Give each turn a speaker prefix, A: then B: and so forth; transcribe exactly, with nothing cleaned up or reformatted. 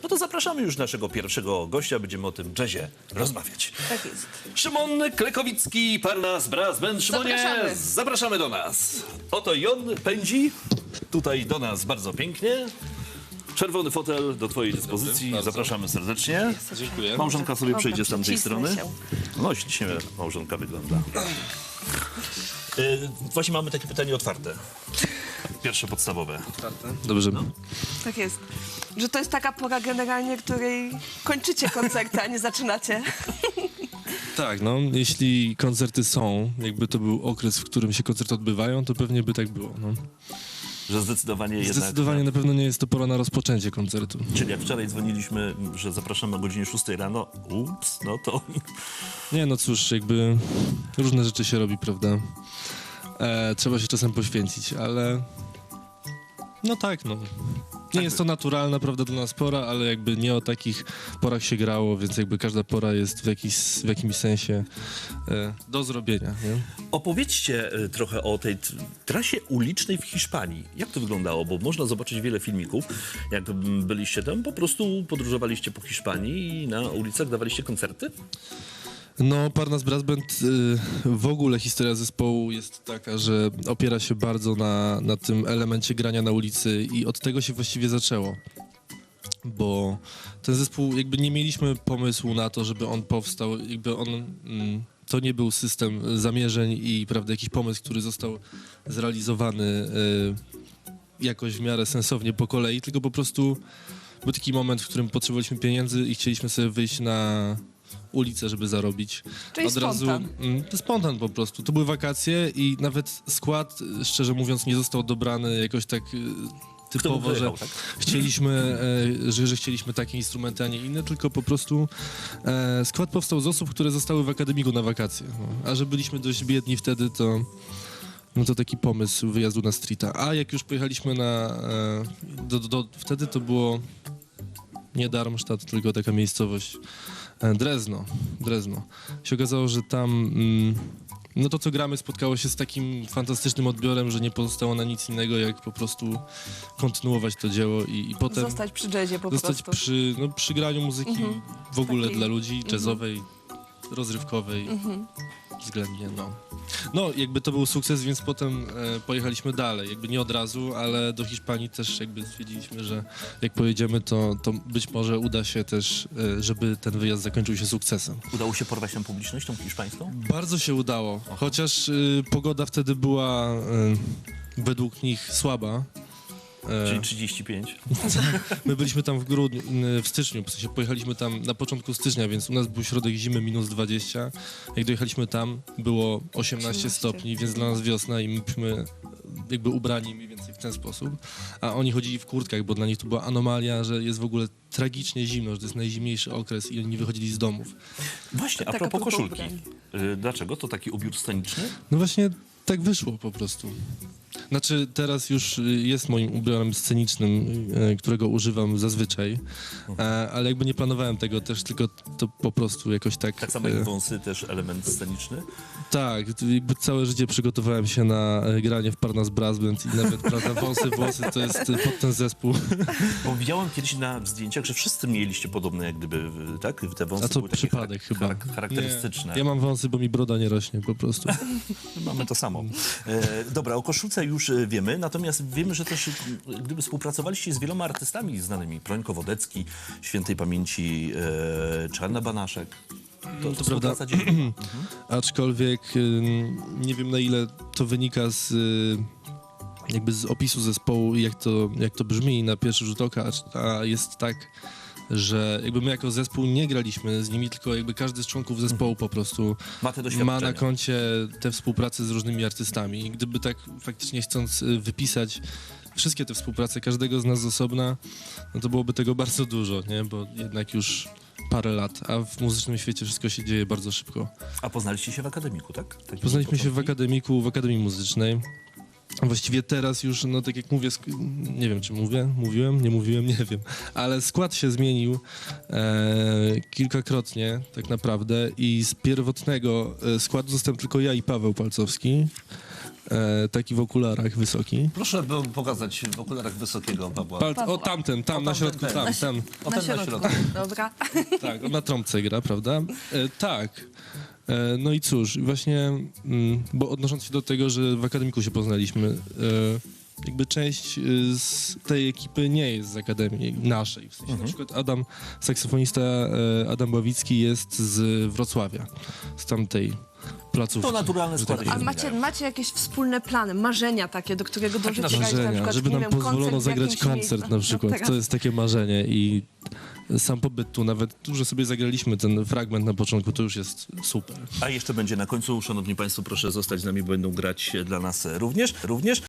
A: no to zapraszamy już naszego pierwszego gościa, będziemy o tym jazzie rozmawiać.
B: Tak jest.
A: Szymon Klekowicki, Parnas Brass Band. Szymonie,
B: Zapraszamy.
A: zapraszamy do nas. Oto i on pędzi tutaj do nas bardzo pięknie. Czerwony fotel do twojej dyspozycji.
C: bardzo.
A: Zapraszamy serdecznie.
C: Dziękuję.
A: Małżonka sobie
B: Dobra,
A: przejdzie z tamtej
B: przycisnę
A: strony.
B: się.
A: No, ślicznie małżonka wygląda. Yy, właśnie mamy takie pytanie otwarte. Pierwsze podstawowe.
C: Dobrze.
B: Tak jest. Że to jest taka pora generalnie, której kończycie koncerty, a nie zaczynacie.
C: Tak, no, jeśli koncerty są, jakby to był okres, w którym się koncerty odbywają, to pewnie by tak było, no.
A: Że zdecydowanie jednak...
C: Zdecydowanie na pewno nie jest to pora na rozpoczęcie koncertu.
A: Czyli jak wczoraj dzwoniliśmy, że zapraszamy o godzinie szóstej rano, ups, no to...
C: Nie, no cóż, jakby różne rzeczy się robi, prawda? E, trzeba się czasem poświęcić, ale... No tak, no. Nie jest to naturalna, prawda, dla nas pora, ale jakby nie o takich porach się grało, więc jakby każda pora jest w, jakiś, w jakimś sensie e, do zrobienia, nie?
A: Opowiedzcie y, trochę o tej t- trasie ulicznej w Hiszpanii. Jak to wyglądało? Bo można zobaczyć wiele filmików. Jak mm, byliście tam, po prostu podróżowaliście po Hiszpanii i na ulicach dawaliście koncerty?
C: No, Parnas Brass Band, y, w ogóle historia zespołu jest taka, że opiera się bardzo na, na tym elemencie grania na ulicy i od tego się właściwie zaczęło. Bo ten zespół, jakby nie mieliśmy pomysłu na to, żeby on powstał, jakby on... Mm, to nie był system zamierzeń i, prawda, jakiś pomysł, który został zrealizowany y, jakoś w miarę sensownie po kolei, tylko po prostu był taki moment, w którym potrzebowaliśmy pieniędzy i chcieliśmy sobie wyjść na ulicę, żeby zarobić.
B: Czyli spontan.
C: Mm, to spontan po prostu. To były wakacje i nawet skład, szczerze mówiąc, nie został dobrany jakoś tak y, typowo, że
A: wyjechał, tak?
C: chcieliśmy, e, że, że chcieliśmy takie instrumenty, a nie inne, tylko po prostu e, skład powstał z osób, które zostały w akademiku na wakacje. No. A że byliśmy dość biedni wtedy, to no to taki pomysł wyjazdu na streeta. A jak już pojechaliśmy na... E, do, do, do, wtedy to było nie Darmstadt, tylko taka miejscowość e, Drezno. Drezno. Się okazało, że tam... Mm, no to, co gramy, spotkało się z takim fantastycznym odbiorem, że nie pozostało na nic innego, jak po prostu kontynuować to dzieło i, i potem
B: Zostać przy jazzie po
C: zostać
B: prostu.
C: przy, no, przy graniu muzyki
B: Mhm.
C: w ogóle
B: Takiej-
C: dla ludzi, jazzowej, rozrywkowej
B: Mhm.
C: względnie, no. No, jakby to był sukces, więc potem e, pojechaliśmy dalej, jakby nie od razu, ale do Hiszpanii też jakby stwierdziliśmy, że jak pojedziemy, to, to być może uda się też, e, żeby ten wyjazd zakończył się sukcesem.
A: Udało się porwać tą publicznością hiszpańską?
C: Bardzo się udało, chociaż y, pogoda wtedy była y, według nich słaba. E,
A: Czyli trzydzieści pięć.
C: My byliśmy tam w grudniu, y, w styczniu, w sensie pojechaliśmy tam na początku stycznia, więc u nas był środek zimy minus dwadzieścia. Jak dojechaliśmy tam, było osiemnaście
B: osiemnaście.
C: stopni, więc dla nas wiosna i my byliśmy jakby ubrani mniej więcej w ten sposób. A oni chodzili w kurtkach, bo dla nich to była anomalia, że jest w ogóle tragicznie zimno, że to jest najzimniejszy okres i oni nie wychodzili z domów.
A: Właśnie, a
B: Taka
A: propos
B: propos
A: koszulki.
B: ubrań.
A: Y, Dlaczego? To taki ubiór sceniczny?
C: No właśnie tak wyszło po prostu. Znaczy teraz już y, jest moim ubiorem scenicznym, y, którego używam zazwyczaj, e, ale jakby nie planowałem tego też, tylko to po prostu jakoś tak...
A: Tak samo
C: e,
A: jak wąsy, też element sceniczny.
C: tak, to jakby całe życie przygotowałem się na e, granie w Parnas Brass Band i nawet, prawda, wąsy, włosy to jest e, pod ten zespół.
A: Bo widziałem kiedyś na zdjęciach, że wszyscy mieliście podobne jak gdyby, y, tak? Te wąsy
C: A to
A: były takie
C: przypadek
A: charak-
C: chyba.
A: charak- charakterystyczne.
C: Nie, ja mam wąsy, bo mi broda nie rośnie po prostu.
A: Mamy to samo. E, dobra, o koszulce już e, wiemy, natomiast wiemy, że też e, gdyby współpracowaliście z wieloma artystami znanymi, Prońko Wodecki, świętej pamięci e, Czarna Banaszek. To, to
C: prawda.
A: współpraca dzieje. Mhm.
C: Aczkolwiek y, nie wiem, na ile to wynika z y, jakby z opisu zespołu i jak to, jak to brzmi na pierwszy rzut oka, a jest tak, że jakby my jako zespół nie graliśmy z nimi, tylko jakby każdy z członków zespołu po prostu
A: Ma te
C: ma
A: doświadczenia.
C: na koncie te współprace z różnymi artystami. I gdyby tak faktycznie chcąc y, wypisać wszystkie te współprace każdego z nas z osobna, no to byłoby tego bardzo dużo, nie? Bo jednak już parę lat, a w muzycznym świecie wszystko się dzieje bardzo szybko.
A: A poznaliście się w akademiku, tak? Takie
C: Poznaliśmy się w
A: początki?
C: akademiku, w Akademii Muzycznej. Właściwie teraz już, no tak jak mówię, sk- nie wiem czy mówię, mówiłem, nie mówiłem, nie wiem, ale skład się zmienił e, kilkakrotnie tak naprawdę i z pierwotnego e, składu zostałem tylko ja i Paweł Palcowski. e, taki w okularach wysoki.
A: Proszę by pokazać w okularach wysokiego Pawła.
C: Pal, o tamten, tam, na środku,
A: ten.
C: tam, tam.
A: O,
B: Na
A: ten na
B: środku.
A: środku.
B: Dobra.
C: Tak, on na trąbce gra, prawda? E, tak. E, no i cóż, właśnie, mm, bo odnosząc się do tego, że w Akademiku się poznaliśmy, e, jakby część e, z tej ekipy nie jest z Akademii naszej. W sensie na przykład Adam, saksofonista e, Adam Bawicki jest z Wrocławia, z tamtej placówki.
A: To naturalne
C: że tak
A: składy.
B: A
C: powiem.
B: macie, macie jakieś wspólne plany, marzenia takie, do którego dążycie grać na
C: Marzenia,
B: przykład,
C: żeby
B: nie
C: nam
B: wiem,
C: pozwolono
B: koncert w
C: zagrać
B: jakimś
C: koncert
B: miejscu.
C: na przykład.
B: No teraz.
C: To jest takie marzenie i sam pobyt tu, nawet tu, że sobie zagraliśmy ten fragment na początku, to już jest super.
A: A jeszcze będzie na końcu. Szanowni Państwo, proszę zostać z nami, bo będą grać dla nas również. również.